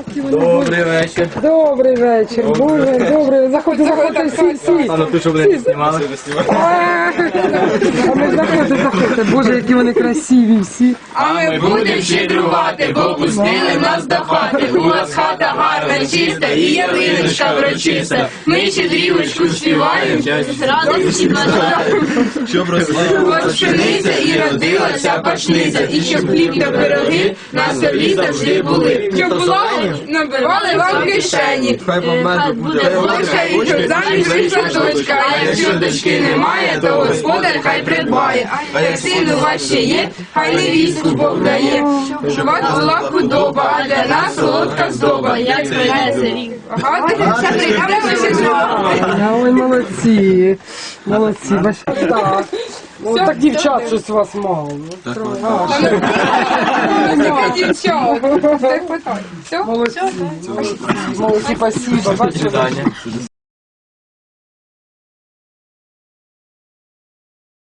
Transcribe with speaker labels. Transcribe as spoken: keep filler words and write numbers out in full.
Speaker 1: Добрий вечір.
Speaker 2: Добрий вечір, Боже, добрий. Заходьте, заходьте, всі, всі.
Speaker 1: А ну ти що, блядь, не знімали?
Speaker 2: А ми заходьте, заходьте. Боже, які вони красиві всі.
Speaker 3: А ми будем щедрувати, бо пустили нас до хати. У вас хата гарна, чиста і ялиночка врочиста. Ми щедрівочку співаємо, з радості бажаємо.
Speaker 1: Щоб росли.
Speaker 3: Ось пшениця і родилася пашниця, і щоб хліб та пироги на столі завжди були. Щоб була набивали вам кишені.
Speaker 1: Хай вам меду буде.
Speaker 3: Дочка і щоб заміж вийшла дочка, а якщо дочки немає, то господар хай придбає. А як син у вас ще є, хай невістку Бог дає. Щоб у вас була худоба, а для нас солодка здоба. Як збирається рік. Багато все прийдемо ще зробити.
Speaker 2: Ой, молодці. Молодці, бачите. Так. Ну, так дівчат щось у вас мало. Ну, трохи. А, ще.
Speaker 3: Таке дівчат. Все, питай. Все?
Speaker 2: Молодці. Молодці, спасибо. Бачите?